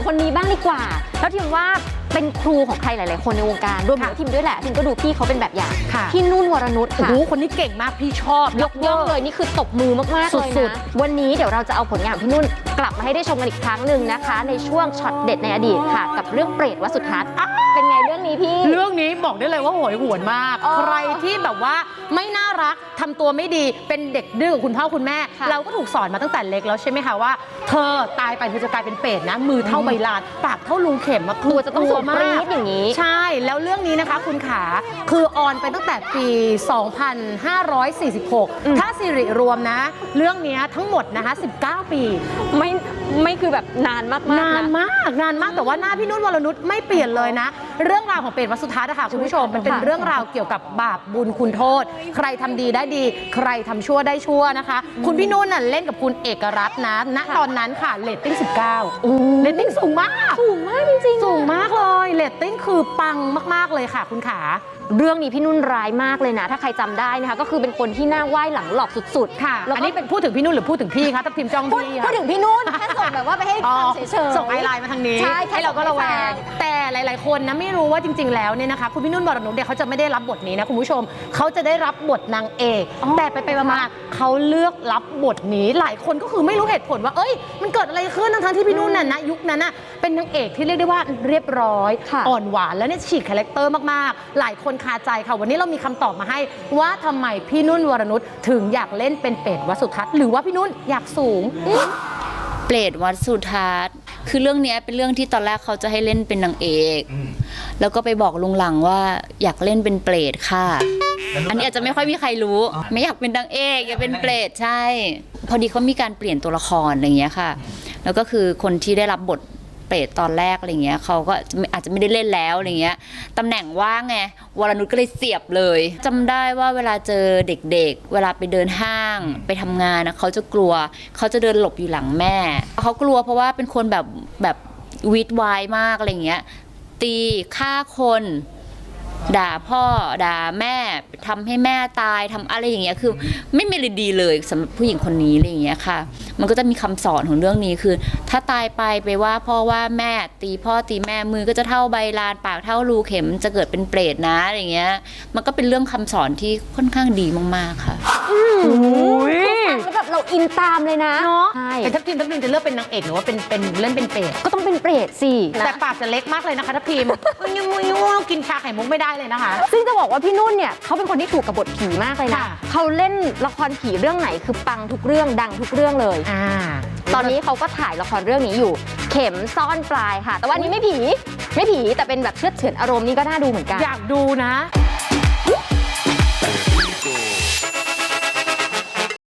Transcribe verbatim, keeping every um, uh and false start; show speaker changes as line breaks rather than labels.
คนนี้บ้างดีกว่าแล้วทีมว่าเป็นครูของใครหลายๆคนในวงการรวมถึงทีมด้วยแหละทีมก็ดูพี่เขาเป็นแบบอย่างพี่นุ่นวรนุชค่ะ
โอ้โหคนนี้เก่งมากพี่ชอบ
ยกย่องเลยนี่คือตบมือมากๆเลยนะวันนี้เดี๋ยวเราจะเอาผลงานของพี่นุ่นกลับมาให้ได้ชมกันอีกครั้งหนึ่งนะคะในช่วงช็อตเด็ดในอดีตค่ะกับเรื่องเปรตวสุทัศน์เป็นไงเรื่องนี้พี่
เรื่องนี้บอกได้เลยว่าโหยหวนมากใครที่แบบว่าไม่น่ารักทำตัวไม่ดีเป็นเด็กดื้อกับคุณพ่อคุณแม่เราก็ถูกสอนมาตั้งแต่เล็กแล้วใช่ไหมคะว่าเธอตายไปเธอจะกลายเป็นเปรตนะมือเท่าใบลานปากเท่ารูเข็มมา
ตัวจะต้องสูงปรี๊ดอย่างนี้
ใช่แล้วเรื่องนี้นะคะคุณขาคือออนไปตั้งแต่ปี สองพันห้าร้อยสี่สิบหก ถ้าสิริรวมนะเรื่องนี้ทั้งหมดนะคะสิบเก้าปี
ไม่ไม่คือแบบนานมากๆ
นานมากนานมากแต่ว่าหน้าพี่นุ่นวรนุชไม่เปลี่ยนเลยนะเรื่องราวของเปรตวสุทัศน์นะคะคุณผู้ชมมันเป็นเรื่องราวเกี่ยวกับบาปบุญคุณโทษใครทำดีได้ดีใครทำชั่วได้ชั่วนะคะคุณพี่นุ่นน่ะเล่นกับคุณเอกรัตน์นะณตอนนั้นค่ะเรตติ้งสิบเก้าเรตติ้งสูงมาก
สูงมากจริง
ๆสูงมากเลยเรตติ้งคือปังมากๆเลยค่ะคุณขา
เรื่องนี้พี่นุ่นร้ายมากเลยนะถ้าใครจำได้นะคะก็คือเป็นคนที่หน้าไหว้หลังหลอกสุด
ๆค่ะอันนี้เป็นพูดถึงพี่นุ่นหรือพูดถึงพี่คะทัพทิมจ้องพี่
พูดถึงพี่นุ่นแค่ส่งแบบว่าไปให้ฟังเฉยๆ
ส่งไอไลน์มาทางนี้
ใช่
ให้เราก็ระแวงแต่หลายๆคนนะไม่รู้ว่าจริงๆแล้วเนี่ยนะคะคุณพี่นุ่นวรนุชเนี่ยเขาจะไม่ได้รับบทนี้นะคุณผู้ชมเขาจะได้รับบทนางเอกแต่ไปๆมาๆเขาเลือกรับบทนี้หลายคนก็คือไม่รู้เหตุผลว่าเอ้ยมันเกิดอะไรขึ้นทั้งที่พี่นุ่นน่ะนะยุคนั้นน่ะเป็นนางเอกที่เรียกได้ว่าเรียบร้อยอ่อนหวานแล้วเนี่ยฉีกคาแรคเตอร์มากๆหลายคนคาใจค่ะวันนี้เรามีคำตอบมาให้ว่าทำไมพี่นุ่นวรนุชถึงอยากเล่นเป็นเปรตวสุทัศน์หรือว่าพี่นุ่นอยากสูง
เปรตวสุทัศน์คือเรื่องนี้เป็นเรื่องที่ตอนแรกเขาจะให้เล่นเป็นนางเอกแล้วก็ไปบอกลุงหลังว่าอยากเล่นเป็นเปรตค่ะอันนี้อาจจะไม่ค่อยมีใครรู้ไม่อยากเป็นนางเอกอยากเป็นเปรตใช่พอดีเขามีการเปลี่ยนตัวละครอะไรอย่างเงี้ยค่ะแล้วก็คือคนที่ได้รับบทเปรตตอนแรกอะไรเงี้ยเขาก็อาจจะไม่ได้เล่นแล้วอะไรเงี้ยตำแหน่งว่างไงวรนุชก็เลยเสียบเลยจำได้ว่าเวลาเจอเด็กๆเวลาไปเดินห้างไปทำงานนะเขาจะกลัวเขาจะเดินหลบอยู่หลังแม่เขากลัวเพราะว่าเป็นคนแบบแบบวิดวายมากอะไรเงี้ยตีฆ่าคนด่าพ่อด่าแม่ทำให้แม่ตายทำอะไรอย่างเงี้ยคือไม่มีอะไรดีเลยสำหรับผู้หญิงคนนี้อะไรอย่างเงี้ยค่ะมันก็จะมีคำสอนของเรื่องนี้คือถ้าตายไปไปว่าพ่อว่าแม่ตีพ่อตีแม่มือก็จะเท่าใบลานปากเท่ารูเข็มจะเกิดเป็นเปรตนะอะไรเงี้ยมันก็เป็นเรื่องคำสอนที่ค่อนข้างดีมากๆค่ะ
ฟังแล้วแบบเราอินตามเลยนะ
เนาะแต่ทัพทีมทัพทีมจะเลือกเป็นนางเอกหรือว่าเป็นเป็นเล่นเป็นเปรต
ก็ต้องเป็นเปรตสิ
แต่ปากจะเล็กมากเลยนะคะทัพทีมยังยังกินชาไข่มุกไม่ได้เลยนะคะ
ซึ่งจะบอกว่าพี่นุ่นเนี่ยเขาเป็นคนที่ถูกกับบทผีมากเลยนะเขาเล่นละครผีเรื่องไหนคือปังทุกเรื่องดังทุกเรื่องเลย
อ่า
ตอนนี้เขาก็ถ่ายละครเรื่องนี้อยู่เข็มซ่อนปลายค่ะแต่ว่านี้ไม่ผีไม่ผีแต่เป็นแบบเชือดเฉือนอารมณ์นี่ก็น่าดูเหมือนกัน
อยากดูนะ